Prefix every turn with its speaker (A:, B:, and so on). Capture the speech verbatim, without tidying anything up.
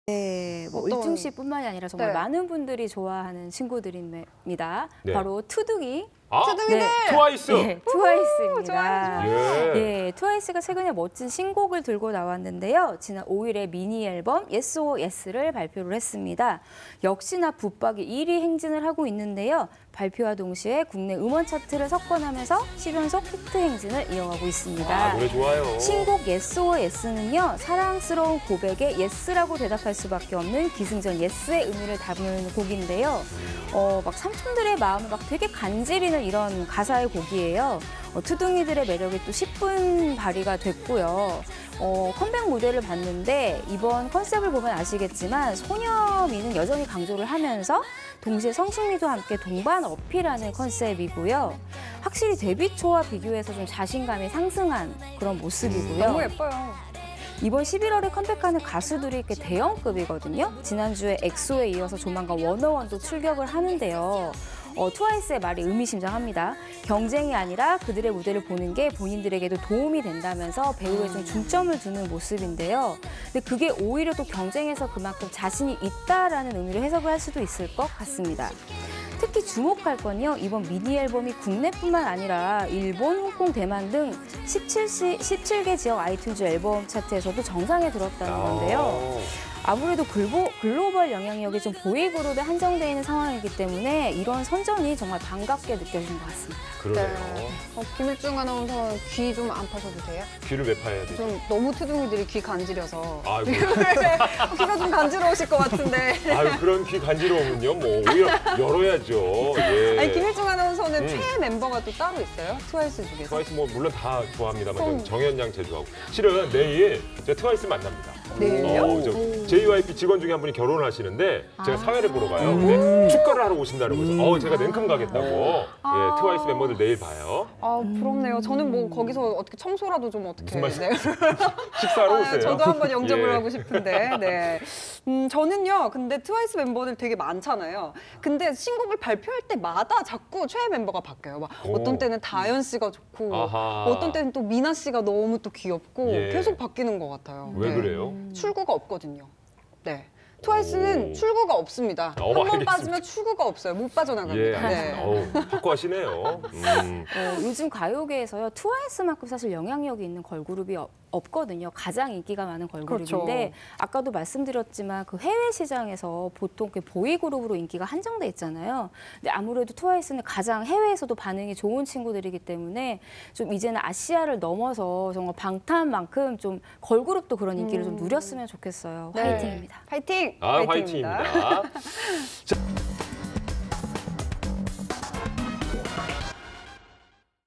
A: 네, 뭐
B: 어떤-
A: 울퉁 씨뿐만이 아니라 정말
B: 네.
A: 많은 분들이 좋아하는 친구들입니다.
C: 네.
A: 바로 투둥이.
C: 아,
B: 투둥이들!
A: 네.
C: 트와이스.
A: 네, 트와이스입니다.
B: 좋아요,
C: 예.
A: 예, 트와이스가 최근에 멋진 신곡을 들고 나왔는데요. 지난 오일에 미니 앨범 Yes or Yes를 발표를 했습니다. 역시나 붙박이 일 위 행진을 하고 있는데요. 발표와 동시에 국내 음원 차트를 석권하면서 십 연속 히트 행진을 이어가고 있습니다.
C: 아, 노래 좋아요.
A: 신곡 Yes or Yes는요, 사랑스러운 고백에 Yes라고 대답할 수밖에 없는 기승전 Yes의 의미를 담은 곡인데요. 어, 막 삼촌들의 마음을 막 되게 간지리는 이런 가사의 곡이에요. 어, 투둥이들의 매력이 또 십 분 발휘가 됐고요. 어, 컴백 무대를 봤는데 이번 컨셉을 보면 아시겠지만 소녀미는 여전히 강조를 하면서 동시에 성숙미도 함께 동반 어필하는 컨셉이고요. 확실히 데뷔 초와 비교해서 좀 자신감이 상승한 그런 모습이고요.
B: 너무 예뻐요.
A: 이번 십일월에 컴백하는 가수들이 꽤 대형급이거든요. 지난주에 엑소에 이어서 조만간 워너원도 출격을 하는데요. 어, 트와이스의 말이 의미심장합니다. 경쟁이 아니라 그들의 무대를 보는 게 본인들에게도 도움이 된다면서 배우에 좀 중점을 두는 모습인데요. 근데 그게 오히려 또 경쟁에서 그만큼 자신이 있다라는 의미로 해석을 할 수도 있을 것 같습니다. 특히 주목할 건요, 이번 미니 앨범이 국내뿐만 아니라 일본, 홍콩, 대만 등 십칠 시, 십칠 개 지역 아이튠즈 앨범 차트에서도 정상에 들었다는 건데요. 아무래도 글보, 글로벌 영향력이 좀 보이그룹에 한정되어 있는 상황이기 때문에 이런 선전이 정말 반갑게 느껴지는 것 같습니다.
C: 그러네요.
B: 어, 김일중 아나운서 귀 좀 안 파셔도 돼요?
C: 귀를 왜 파야 되죠?
B: 좀 너무 투둥이들이 귀 간지려서
C: 아이고.
B: 귀가 좀 간지러우실 것 같은데.
C: 아유, 그런 귀 간지러우면요. 뭐 오히려 열어야죠. 예.
B: 아니 김일중 아나운서는
C: 음.
B: 최애 멤버가 또 따로 있어요? 트와이스 중에서?
C: 트와이스 뭐 물론 다 좋아합니다만
B: 그럼-
C: 저는 정현 양 제일 좋아하고. 실은 내일 저 트와이스 만납니다.
B: 내일요?
C: 어, 저 제이와이피 직원 중에 한 분이 결혼을 하시는데 제가
B: 아.
C: 사회를 보러 가요. 근데 축가를 하러 오신다는 거죠. 어, 제가 냉큼 가겠다고.
B: 아.
C: 예, 트와이스 멤버들 내일 봐요.
B: 아 부럽네요. 저는 뭐 거기서 어떻게 청소라도 좀 어떻게.
C: 무슨 말씀-
B: 네.
C: 식사하러
B: 아,
C: 오세요.
B: 저도 한번 영접을
C: 예.
B: 하고 싶은데. 네. 음, 저는요. 근데 트와이스 멤버들 되게 많잖아요. 근데 신곡을 발표할 때마다 자꾸 최애 멤버가 바뀌어요. 막
C: 오.
B: 어떤 때는 다현 씨가 좋고,
C: 아하.
B: 어떤 때는 또 미나 씨가 너무 또 귀엽고
C: 예.
B: 계속 바뀌는 것 같아요.
C: 왜
B: 네.
C: 그래요?
B: 출구가 없거든요. 네. 트와이스는
C: 오.
B: 출구가 없습니다.
C: 어,
B: 한 번
C: 알겠습니다.
B: 빠지면 출구가 없어요. 못
C: 예,
B: 빠져나갑니다.
C: 알겠습니다.
B: 네.
C: 어우, 확고하시네요. 음.
A: 어, 요즘 가요계에서요, 트와이스만큼 사실 영향력이 있는 걸그룹이 어- 없거든요. 가장 인기가 많은 걸그룹인데
B: 그렇죠.
A: 아까도 말씀드렸지만 그 해외 시장에서 보통 그 보이그룹으로 인기가 한정돼 있잖아요. 근데 아무래도 트와이스는 가장 해외에서도 반응이 좋은 친구들이기 때문에 좀 이제는 아시아를 넘어서 정말 방탄만큼 좀 걸그룹도 그런 인기를 좀 누렸으면 좋겠어요.
B: 네.
A: 화이팅입니다.
B: 파이팅!
C: 아,
B: 파이팅입니다.
C: 화이팅입니다. 자,